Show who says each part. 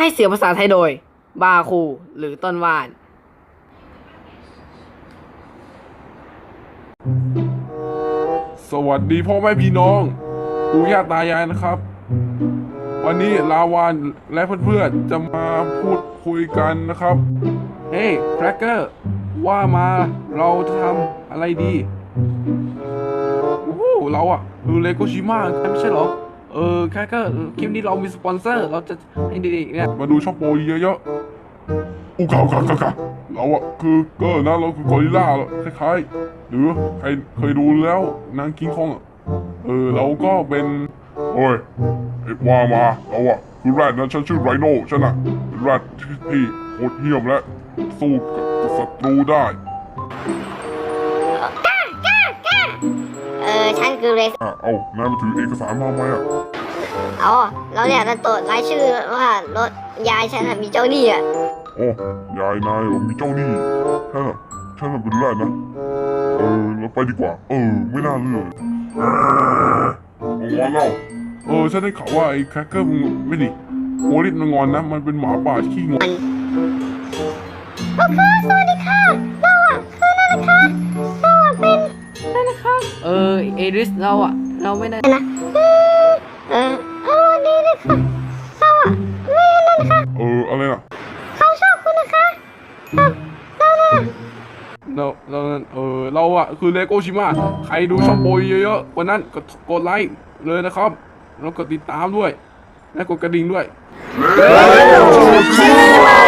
Speaker 1: ให้เสียงภาษาไทยโดยบาคูหรือต้นว่าน
Speaker 2: สวัสดีพ่อแม่พี่น้องปู่ย่าตายายนะครับวันนี้ลาวานและเพื่อนๆจะมาพูดคุยกันนะครับเฮ้ยแครกเกอร์ว่ามาเราจะทำอะไรดีโอ้โหเราอะดูเลโกชิมะไม่ใช่เหรอแครกเกอร์คลิปนี้เรามีสปอนเซอร์เราจะให้ดีๆเนี่ยมาดูช็อปโปรเยอะๆอุกาเราอะคือนะเราคือกอริลลาคล้ายๆหรือใครเคยดูแล้วนางคิงคองอะเราก็เป็นโอ้ยว่ามาเราอะคือแรดนะฉันชื่อไรโน่ฉันอะเป็นแรดที่โหดเหี้ยมและสู้กับศัตรูได้
Speaker 3: ฉันคือเรส
Speaker 2: เอานายมาถือเอกสารมาไหมอะ
Speaker 3: เราเนี่ยจะตรวจรายชื่อว่ารถยายฉันมีเจ้าหนี้อ่ะ
Speaker 2: โอ้ยายนายมีเจ้าหนี้ฉันเป็นแรดนะเราไปดีกว่าไม่น่าเลือกงอนเราฉันได้ข่าวว่าไอ้แครกเกอร์มึงไม่ดิโอริสมันงอนนะมันเป็นหมาป่าขี้งอน
Speaker 3: โอเคสวัสดีค่ะเราอ่ะคือนั่นนะคะเราอ่ะเป็น
Speaker 1: นั่นนะคะเอริสเราไม่ได้
Speaker 3: นะดีเลยค่ะเราอ่ะไม่นั่นนะคะ
Speaker 2: อะไรนะ
Speaker 3: เขาชอบคุณนะคะเรา
Speaker 2: เราอะคือเลโกชิมะใครดูช่องโปรเยอะๆวันนั้นก็กดไลค์เลยนะครับแล้วกดติดตามด้วยและกดกระดิ่งด้วย
Speaker 3: เลโกชิมะ